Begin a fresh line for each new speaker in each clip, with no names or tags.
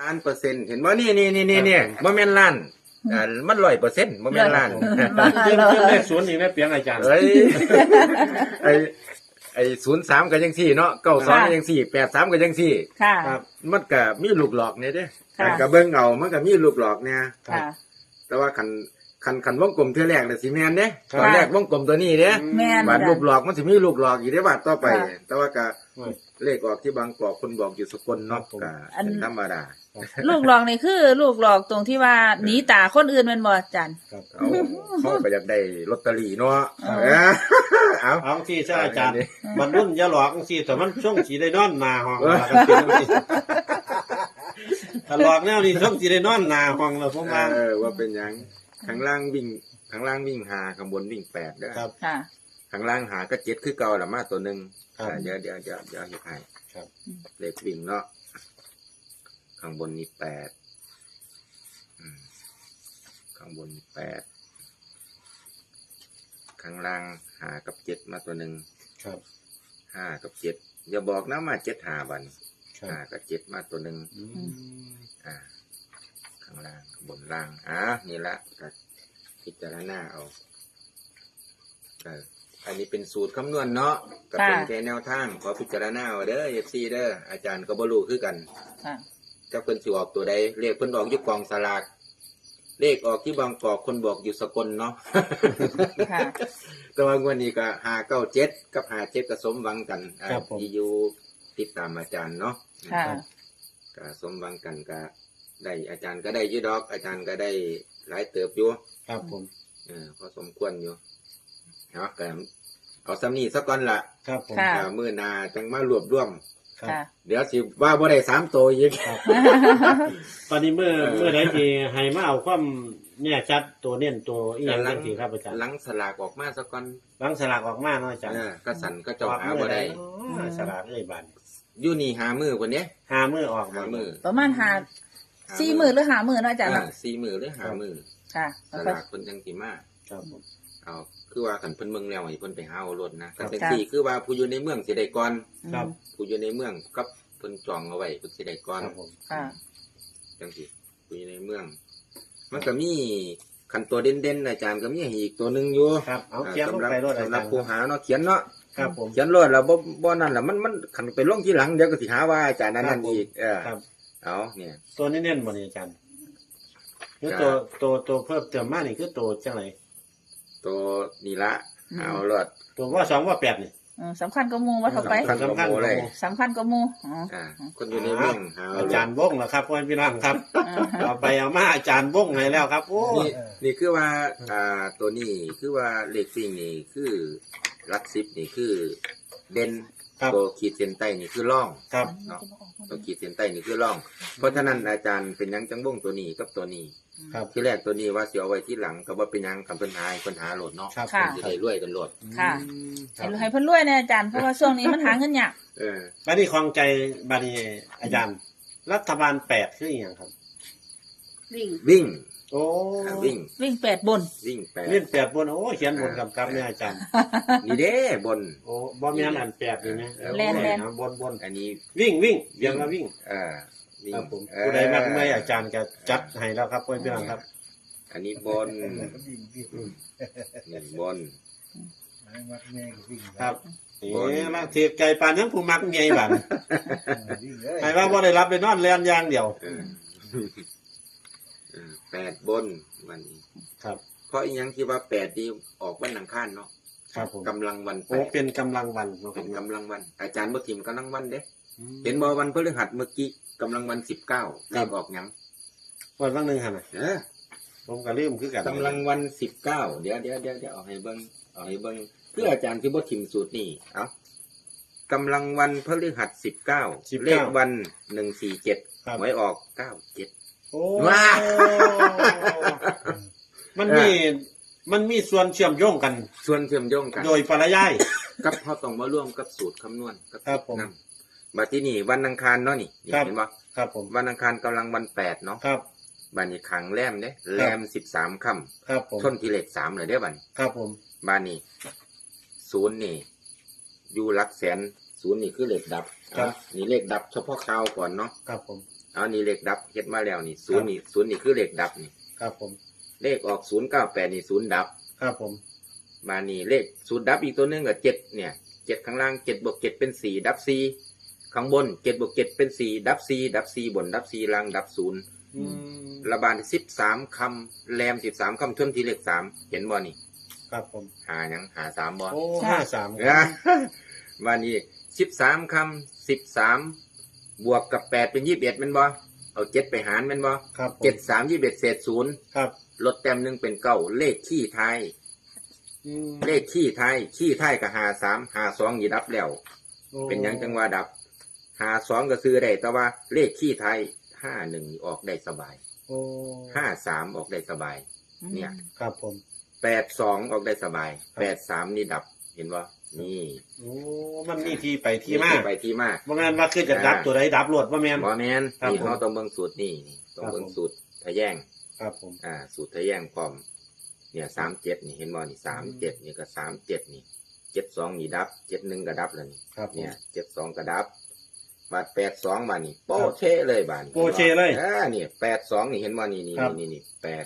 ล้านเปอร์เซ็นต์เห็นบ่นี่บ่แม่นล้านมัน100%บ่แม่นล้าน
เพิ่มเลขศูนย์อีกนะเปียงอาจารย์
เอ้ยไอ้03ก็จังซี่เนาะ92ก็จังซี่83ก็จังซี่
ค่ะ
ครับ
มันก็มีลูกหลอกเนี่ยเด้
ค่ะ
ก็เบิ่งเอามันก็มีลูกหลอกเนี่ย
ค่ะ
แต่ว่าคันวงกลมเทื่อแรกน่ะสิแม่นเด้
ครับ
ตอนแรกวงกลมตัวนี้เด้
แม่น
บาดลูกหลอกมันสิมีลูกหลอกอีกได้บาดต่อไป
ค่ะ
แต่ว่าก็
โอ้ย
เลขออกที่บางกอกคนบอกอยู่สกลเนาะ
ครับผม
ก็
อัน
เป็นธรรมดา
ลูกหลอกนี่คือลูกหลอกตรงที่ว่าหนีตาคนอื่นแมันบ่อาจารย์
ครับ
เขาก็อยากได้ลอตเตอรี่เนาะ
เอา
เอา
เอาที่ใช่อาจารย์
อันนี้
มันรุ่นอย่าหลอกสิแต่มันช่วงสีได้นอนหนาห้องถ้าหลอกแนวนี้ช่วงสีได้นอนหนาห้องแล้วผมว่า
ว่าเป็นหยังข้างล่างวิ่ง5ข้างบนวิ่ง8เด้อ
ครับ
ค่ะ
ข้างล่างหาก็7คือเก่าละมาตัวหนึง
ครับ
เดี๋ยวเฮ็ดให้
ครับ
เลขวิ่งเนาะข้างบนนี่8ข้างบนนี่8ข้างล่าง5กับ7มาตัวหนึง
ครับ
5กับ7อย่าบอกนะมา7 5บัด
ครับ
5กับ7มาตัวหนึง
อืม
ข้างล่างข้างบนล่างนี่ละก็พิจารณาเอาอันนี้เป็นสูตรคำนวณเนาะก็เป็น
ค่ะ
แค่แนวทางขอพิจารณาเอาเด้อ FC เด้ออาจารย์ก็บ่รู้คือกัน
ค่ะ
เจ้าเพิ่นสิออกตัวใดเลขเพิ่นออกอยู่กองสลากเลขออกที่บางกอกคนบอกอยู่สกลเนาะ
ค่ะ
แต่ว่างวดนี้ก็597กับ57ก็สมหวังกันที่อยู่ติดตามอาจารย์เนาะ
ค่ะ
ก็สมหวังกันก็ได้อาจารย์ก็ได้อยืดดอก อาจารย์ก็ได้หลายเติบอยู่
ครับผม
พอสมควรอยู่เนาะก็เอาซ้ำนี้สักก่อนละ
ครับผม
ค่ะ
มื้อหน้าจังมารวบรวม
ครับ
ค่ะ
เดี๋ยวสิว่าบ่ได้3ตัวอีก
ตอนนี้เมื่อใดที่ให้มาเอาความเนี่ยชัดตัวเน้นตัวอีหยังจังซี่ครับอาจารย์
หลังสลากออกมาสักก่อน
หลังสลากออกมาเนาะอาจารย์
ก็สั่นก็เจ้าหาบ่ได้
อ๋อสลากเอ้ยบัด
อยู่นี่หามื้อพุ่นเด้
หามือออก
หามื้อ
ประมาณ4 มื้อหรือ5 มื้อเนาะอาจารย์เนาะ
4มื้อหรือ5มื้อ
ค่ะ
สลากเพิ่นจังสิมา
ครับผม
เอาคือว่าคันเพิ่นเมืองแล้วให้เพิ่นไปหาเอารถนะ
ครั
แต่
บ
จังซี่คือว่าผู้อยู่ในเมืองสิได้ก่อน
ครับ
ผู้อยู่ในเมืองกับเพิ่นจองเอาไว้เพิ่นสิได้ก่อน
ครับผม
ค่ะ
จังซี่ผู้อยู่ในเมือง มันก็มีคันตัวเด่นๆอาจารย์ก็มีให้อีกตัวหนึงอยู่
ครับเอาเขียนลงไปรถอา
สำหรั
จา
บ
รย์
ผู้หาเนาะเขียนเนาะ
ครับผม
เขียนรถแล้วบ่นั่นล่ะมันคันไปลงทีหลังเดี๋ยวก็สิหาว่าอาจารย์นั้นอีก
ครับ
เอาเนี่ย
ตัวนี้เน้นบ่นี่อาจารย์คือ
ครับ
ตัวเพิ่มเติมมานี่คือตัวจังไร
ตัวนี่ละ เอารถ
ตัวว่า2ว่า8นี่
สำคัญก็มูว่าเท่าไป
สำคัญ กว่าหมู่เลย
สำคัญก็มูอ๋อ
คนอยู่ในเมืองหาเอา
อาร จาร
ถ
ย์วงแล้วครับพ่อพี่น้องครับเอาไปเอามาอาจารย์วงให้แล้วครับ โอ้
นี่คือว่าตัวนี้คือว่าเลขซิ่งนี่คือหลัก10นี่คือเด่น
ครับ
ตัวขีดเส้นใต้นี่คือร่อง
ครับ
เนาะตัวขีดเส้นใต้นี่คือร่อง เพราะฉะนั้นอาจารย์เป็นหยังจังบ่งตัวนี้กับตัวนี้
ครับ
ที่แรกตัวนี้ว่าสิเอาไว้ที่หลังก็บ่เป็นหยังคำปัญหาให้ปัญหาโหลดเนาะ
ครับ
ค่ะ
สิได้รวยกันโหลด
ค่ะ
ครับ
ให้เพิ่นรวยนะอาจารย์เพราะว่าช่วงนี้มันหาเงินยาก
บัดนี้ของใจบัดนี้อาจารย์ รัฐบาล8คืออีหยังครับ
วิ่ง
โอ้
วิ่ง
วิ่ง8 บน
วิ่งแปด
เล่น8บนโอ้เขียนบนกำกับเนี่ยอาจารย์
นี่เด้บน
โอ้บ่แม่นอัน8นี่นะ
แล่น
นะบน
อันนี้
วิ่งเดี๋ยวมาวิ่ง
วิ่ง
ครับผมผู้ใดมักไม่อาจารย์ก็จัดให้แล้วครับพ่อพี่น้องครับ
อันนี้บนนี่บน
ครับ
บน
นี่ละเทียบไก่ปานยังผู้มักใหญ่บัดให้ว่าบ่ได้รับได้นอนแล่นอย่างเดียว
เออ8 บนวันนี้
ครับ
เพราะอีหยังที่ว่า8นี่ออกวันอังคารเนาะ
ครับผม
กำลังวัน
โอ้
8
เป็นกำลังวันเนาะค
เป็
รับ
นกำลังวัน อาจารย์บ่ทิมกำลังวันเด้
อืม
เห็นบ่วันพฤหัสเมื่อกี้กำลังวัน19เลขออกหยัง
วันบางหนึงหั่นน่ะ
เออ
ผมก็ลืมคือกัน
กำลังวัน19เดี๋ยวเอาให้เบิ่งเพื่ออาจารย์ที่บ่ทิมสูตรนี่เอากำลังวันพฤหัส19เลขวัน147
ครับ
หวยออก97
โอ้
ว้า
มันมีส่วนเชื่อมโยงกัน
ส่วนเชื่อมโยงกัน
โดยปริยาย
กับเฮาต้องมาร่วมกับสูตรคำนวณกับ
ครับผม
นำบัดที่นี่วันอังคารเนาะนี่
ครับ
เห็นบ่
ครับผม
วันอังคารกำลังวัน8เนาะ
ครับ
บัดนี้ขังแรมเด้แรม13ค่ำ
ครับผม
ชนที่เลข3เลยเด้อบัดนี้
ครับผม
บ้านนี้ศูนย์นี่อยู่หลักแสนศูนย์นี่คือเลขดับนี่เลขดับเฉพาะข่าวก่อนเนาะ
ครับผม
เเอานี่เลขดับเฮ็ดมาแล้วนี่ศูนย์นี่คือเลขดับนี่
ครับผม
เลขออก098นี่ศูนย์ดับ
ครับผม
มานี่เลขศูนย์ดับอีกตัวหนึงก็7เนี่ย7ข้างล่าง7บวก7เป็น4ดับ4ข้างบน7บวก7เป็น4ดับ4ดับ4บนดับ4ล่างดับ0
อืม
ระบาด13คำแรม13คำทวนที่เลข3เห็นบ่นี่
ครับผม
หาหยังหา3บ่
โอ้
ใช่
53
นะมานี่13คำ13บวกกับ8เป็น21แม่นบ่เอา7ไปหารแม่นบ่
ครับผม
7 3 21เศษ0
ครับ
ลดแต้มหนึงเป็น9เลขขี้ท้าย
อืม
เลขขี้ท้ายก็53 52นี่ดับแล้ว
โอ้
เป็นหยังจังว่าดับ52ก็ซื้อได้แต่ว่าเลขขี้ท้าย51นี่ออกได้สบาย
โอ้
53ออกได้สบาย เนี่ย
ครับผม
82ออกได้สบาย83นี่ดับเห็นบ่นี่
โอ้มันมีที่ไปที่มา
ไปที่มา
บ่แม่นว่าคือจะดับตัวใดดับรวดบ่แม่น
บ่แม่น
ครับ
นี่
ผม
เฮาต้องเบิ่งสูตรนี่ต้องเบิ่ง
ครับผม
สูตรทะแยง
ครับผม
สูตรทะแยงพร้อมเนี่ย37นี่เห็นบ่นี่37นี่ก็37นี่72นี่ดับ71ก็ดับแล้วนี่
ครับผม
เนี่ย72ก็ดับบาด82มานี่โปะเชะเลยบาดนี้
โปะเชะเลย
นี่82นี่เห็นบ่นี่
ครับ
นี่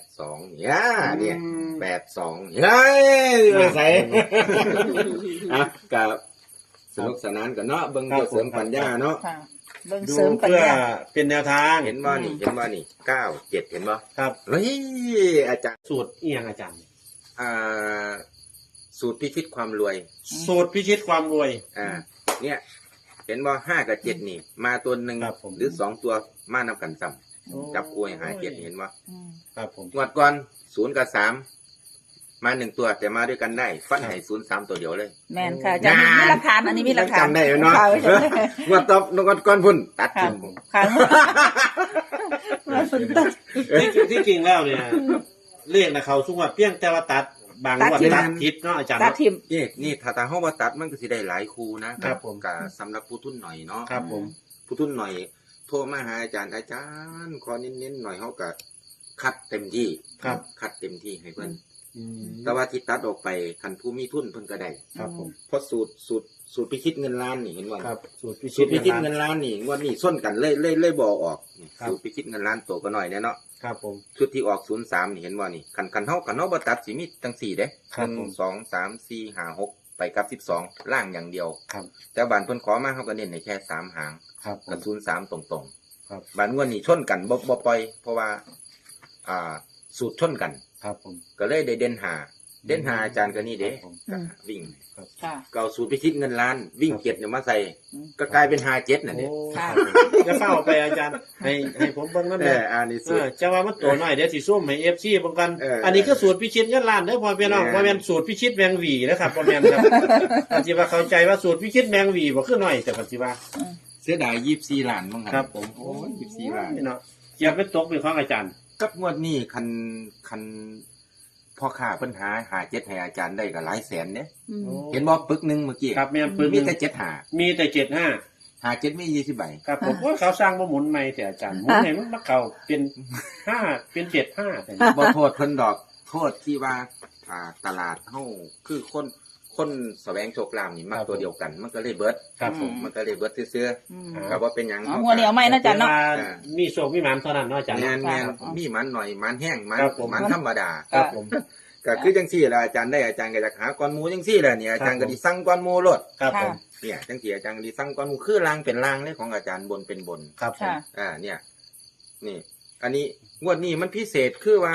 82เนี่ยเนี่ย
อืม
82เฮ้ยมาใส่อ่ะกับสนุกสนานกันเนาะเบิ่ง
ครับ
เพื่อเสริมปัญญาเนาะ
ค่ะเบิ่ง
ดู
เสริมปัญ
เพื่อ
ญา
เป็นแนวทาง
เห็นบ่นี่เห็นบ่นี่97เห็นบ่
ครับ
เฮ้ยอาจารย์
สูตรอีหยังอาจารย์
อ่าสูตรพิชิตความรวย
สูตรพิชิตความรวย
เนี่ยเห็นบ่5กับ7นี่ มาตัวหนึ่ง
ครับผม
หรือ2ตัวมานำกันซ้ำจับกล้วยหา7เห็นบ่
อืม
ครับผม
งวดก่อน0กับ3มา1ตัวแต่มาด้วยกันได้ฟันให้03ตัวเดียวเลย
แม่นค่ะอาจารย์มีหลักฐานอันนี้มีหลักฐาน
จำได้เนาะ
ค่ะไว้จำได้
งวดตบงวดก่อนพุ่นตัด
ค่ะ
ทิ้ง
ค่ะมาฝนตก
ที่จริงแล้วเนี่ยเลขนะเขาสุกว่าเพียงแต่ว่าตัดบางงวดตัดผิดเนาะอาจารย์
ตา
เนาะ
ทิม
นี่ถ้าเฮาบ่ตัดมันก็สิได้หลายคู่นะครับ
ผม
ก็สำหรับผู้ทุนหน่อยเนาะ
ครับผม
ผู้ทุนหน่อยโทรมาหาอาจารย์ขอเน้นๆหน่อยเฮาก็คัดเต็มที่
ครับ
คัดเต็มที่ให้เพิ่น
อืม
แต่ว่าที่ตัดออกไปคันผู้มีทุนเพิ่นก็ได้
ครับผม
เพราะสูตรพิชิตเงินล้านนี่เห็นว่า
ครับสูตรพิ
สู
ชิ
ต
ต
รพิชิตเงินล้านนี่งวดนี้ส้นกันเลยบ่ออกนี่
ครับ
สูตรพิชิตเงินล้านตัวก็หน่อยแน่เนาะ
ครับผม
ชุดที่ออก03นี่เห็นว่านี่คันเฮาบ่ตัดสิมีจัง4เด้
ครับผม
1 2 3 4 5 6ไปกับ12ล่างอย่างเดียว
ครับ
แต่บานเพิ่นขอมาเฮาก็เน้นให้แค่3หาง
ครับผ
กับ
ม
03ตรง
ครับ
ๆบานงวดนี้ชนกันบ่ปล่อย เพราะว่าสูตรชนกัน
ครับผม
ก็เลยได้เด่นหาอาจารย์ก็นี่เด้
ครับผม
อืม
วิ่ง
ค่ะ
เก่าสูตรพิชิตเงินล้าน วิ่ง
ครับ
เจ็ดเนี่ยมาใส่
อืม
ก็กลายเป็น57น่ะ
โอ้
เนี่ย
ค่ะ
จะเข้าไปอาจารย์ให้ผมเบิ่งนั่น
เอ
แหละ
ออันนี้
เอ
สูต
อ
ร
จะว่ามันตัวน้อยเดี๋ยวสิซุ่มให้ FC เบิ่งกัน
อั
นนี้คือสูตรพิชิตเงินล้านเด้อพ่อพี่น้อง
แม่น
บ่แม่นสูตรพิชิตแมงหวีนะครับบ่แม่นครับอาจสิว่าเข้าใจว่าสูตรพิชิตแมงหวีบ่คือน้อยแต่ปัจจุบัน
เสียดาย24ล้านมั้ง
ครับผม
โอ้ย24ล้าน
เนาะเจียบเป็นตกเป็นของอาจารย์
กับงวดนี้คันพ่อค้าเพิ่นหา7ให้อาจารย์ได้ก็หลายแสนเด้
อืม
เห็นบ่ปึกหนึงเมื่อกี้
ครับแม่นปืน
มีแต่7
มีแต่75
7มี20ใบ
ครับผมว่าเขาสร้างบ่หมุนใหม่แต่อาจารย์หมุนให้มันมาเข้าเป็น5เป็น75แต่
บ่โทษเพิ่นดอกโทษที่ว่าตลาดเฮาคือคนแสวงโชคลาภนี่มักตัวเดียวกัน มันก็เลยเบิด
ครับผม
มันก็เลยเบิดซื่อ
อืม
ๆก็บ่เป็นหยัง
เอาหัวเหนียวไหมนะอาจารย์เนาะ
มีโชคมีหมานเท่านั้นเนาะอาจารย์
แม่น
ครับ
มีมันหน่อยมันแห้งมัน
ครับผม
มันธรรมดา
ครับผม
ก็คือจังซี่ล่ะอาจารย์ได้อาจารย์ก็จะหาก้อนหมูจังซี่แหละเนี่ยอาจารย์ก็สิสั่งก้อนหมูโลด
ครับผม
เนี่ยจังซี่อาจารย์ก็สิสั่งก้อนหมูคือลางเป็นลางเลยของอาจารย์บนเป็นบน
ครับผม
ค่ะ
เนี่ยนี่ อันนี้งวดนี้มันพิเศษคือว่า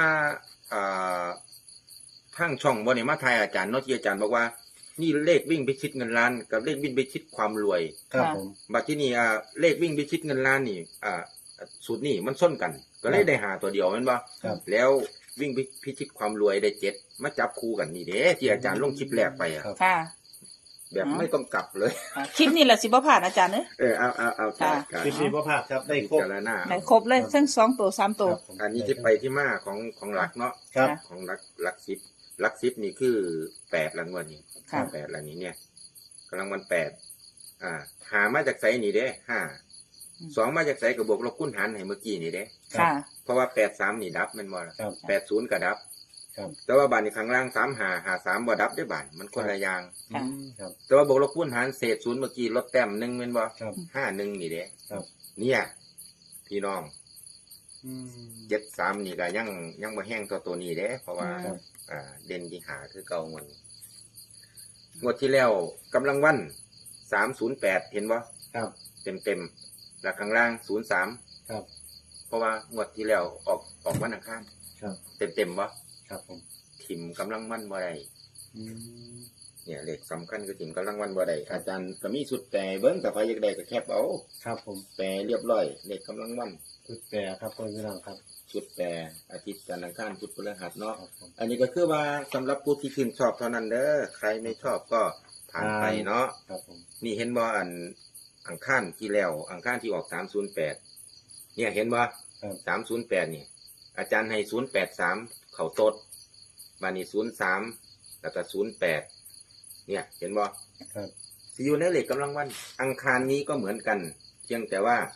ทางช่องบ่ได้มาทายอาจารย์เนาะที่อาจารย์บอกว่านี่เลขวิ่งไปชิดเงินล้านกับเลขวิ่งไปชิดความรวย
ครับผม
บัดที่นี่เลขวิ่งไปชิดเงินล้านนี่สูตรนี่มันส้นกัน ก็เลยได้หาตัวเดียวแม่นบ่
ครับ
แล้ววิ่งไปพิชิตความรวยได้7มาจับคู่กันนี่เด้ที่อาจารย์ลงคลิปแรกไปอะ
ครับ
ค่ะ
แบบไม่ต้องกลับเลย
คลิปนี้แหละสิบ่ผ่านอาจารย์เนอะ
เอา
ค่ะ
การ
คลิปนี้พ่อภาพครับได้ครบ
พิจารณา
ได้ครบเลยทั้ง2ตัว3ตัว
ครับผม
อันนี้ที่ไปที่มาของหลักเนาะ
ครับ
ของหลักสิบนี่คือ8รางวัลนี่
ค่ะ
8รางนี้เนี่ยกำลังวัน8หามาจากไสนี่เด้5 2มาจากไสก็บวกลบคูณหารให้เมื่อกี้นี่เด้
ค่ะ
เพราะว่า83นี่ดับแม่นบ่ล่ะ
ครับ
80ก็ดับ
ครับ
แต่ว่าบานนี้ข้างล่าง3 5 3บ่ดับได้บานมันคนละอย่าง
ค่ะ
ครับ
แต่ว่าบวกลบคูณหารเศษ0เมื่อกี้ลดแต้ม1แม่นบ่
ครับ
51นี่เด้
ครับ
เนี่ยพี่น้อง
อืม
73นี่ก็ยังบ่แห้งตัวนี้เด้เพราะว่า
ครับ
เด่นที่หาคือเก่ามันงวดที่แล้วกำลังวัน308เห็นบ่
ครับ
เต็มแล้วข้างล่าง03
ครับ
เพราะว่างวดที่แล้วออกวันอังคาร
ครับ
เต็มบ่
ครับผม
ทิมกำลังวันบ่ได้
อืม
เนี่ยเลขสำคัญคือทิมกำลังวันบ่ได้อาจารย์ก็มีสุดแต่เบิ่งแต่ใครอยากได้ก็แคปเอา
ครับผม
แปลเรียบร้อยเลขกำลังวัน
ชุดแปรครับพ่อพี่น้องครับ
ชุดแปรอาทิตย์จันทร์อังคารพุธพฤหัสเนาะ
ครับผม
อันนี้ก็คือว่าสำหรับผู้ที่ชื่นชอบเท่านั้นเด้อใครไม่ชอบก็ผ่านไปเนาะ
ครับผม
นี่เห็นบ่อังคารที่แล้วอังคารที่ออก308เนี่ยเห็นบ่
ครับ
308นี่อาจารย์ให้083เข้าตดบัดนี้03แล้วก็08เนี่ยเห็นบ่
ครับ
สิอยู่ในเลขกำลังวัน อังคารนี้ก็เหมือนกัน เพียงแต่ว่า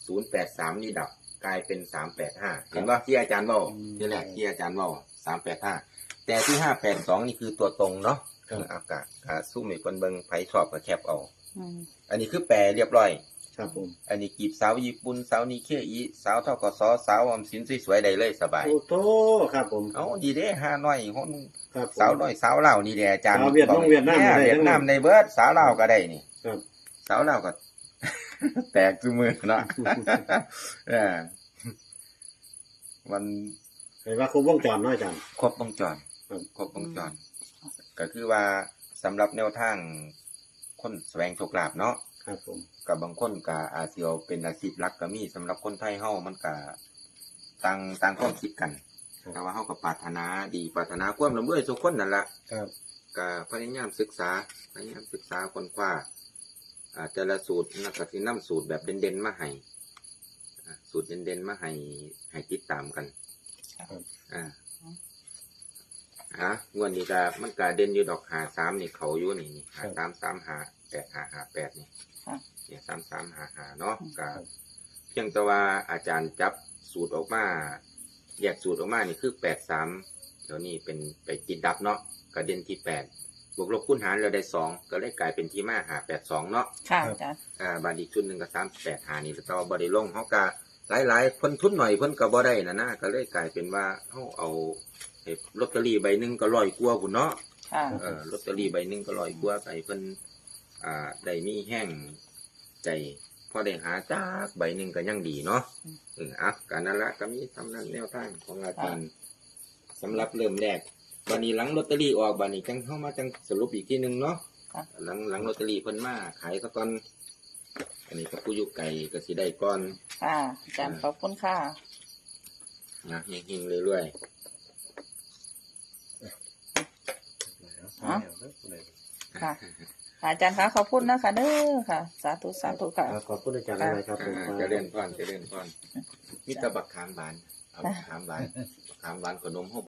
083นี่ดับกลายเป็น385เห็นบ่ที่อาจารย์เว้านี่แหละที่อาจารย์เว้า385แต่ที่582นี่คือตัวตรงเนาะ
ครับ
อากาศซุ่มให้เพิ่นเบิ่งไผชอบก็แคปเอา
อืม
อันนี้คือแปลเรียบร้อย
ครับผม
อันนี้กีบสาวญี่ปุ่นสาวนิเคอีสาวทกสสาวออมสินสวยๆได้เลยสบาย
โอ้โตครับผม
เอาดีเด้ห้าน้อยคน
ครับผม
สาวน้อยสาวลาวนี่แหละอาจารย์
สาวเวียดนามเวียดนาม
เนี่ย
ได้
เวียดนามในเบิดสาวลาวก็ได้นี่
ครับ
สาวลาวก็ แตกซุมือเนาะ เออมัน
เห็นว่าครบวงจรเนาะอาจารย์
ครบวงจร
ครับ
ครบวงจร ก็คือว่าสำหรับแนวทางคนแสวงโชคลาภเนาะ
ครับผม
กับบางคนก็อาจสิเอาเป็นอาชีพหลักก็มีสำหรับคนไทยเฮามันก็ต่างความคิดกัน แต่ว่าเฮาก็ปรารถนาดีปรารถนาความร่ำรวยทุกคนนั่นล่ะ
ครับ
ก็พยายามศึกษาค้นคว้าแต่ละสูตรนักก็สินำสูตรแบบเด่นๆมาให้สูตรเด่นๆมาให้ติดตามกัน
ครับ
งวดนี้ก็มันก็เด่นอยู่ดอก53นี่เขาอยู่นี่53358558นี่
ค่ะ
เนี่ย3355เนาะก็เพียงแต่ว่าอาจารย์จับสูตรออกมาแยกสูตรออกมานี่คือ83เดี๋ยวนี้เป็นไปติดดับเนาะก็เด่นที่8บวกลบคูณหารเราได้2ก็เลยกลายเป็นที่มา582เนาะ
ค่ะอาจารย์
บาทอีกชุดหนึงก็385นี่แต่ว่าบ่ได้ลงเฮาก็หลายๆเพิ่นทุนหน่อยเพิ่นก็บ่ได้นะก็เลยกลายเป็นว่าเฮาเอาลอตเตอรี่ใบหนึงก็100กว่าพุ่นเนาะ
ค่ะ
ลอตเตอรี่ใบหนึงก็100กว่าก็ให้เพิ่นได้มีแห้งใจพอได้หาจากใบหนึงก็ยังดีเนาะการนั้นละก็มีทำนั้นแนวทางของอาจารย์สำหรับเริ่มแรกบัดนี้หลังลอตเตอรี่ออกบัดนี้จังเฮามาจังสรุปอีกทีนึงเนาะ หลังลอตเตอรี่เพิ่นมาขายซะก่อนอันนี้ก็ผู้อยู่ไกลก็สิได้ก่อน
ค่ะอาจารย์ขอบคุณค่ะ
นะเฮงๆเรื่อย
อ๋อ ค่ะ อาจารย์คะขอบคุณนะคะเด้อค่ะ สาธุสาธุค่ะ
ครับขอบคุณอาจารย์อะไรครับผม
ๆเจะเล่นพรมีแตะบักขามหวานเอาบักขามหวานขนมเฮา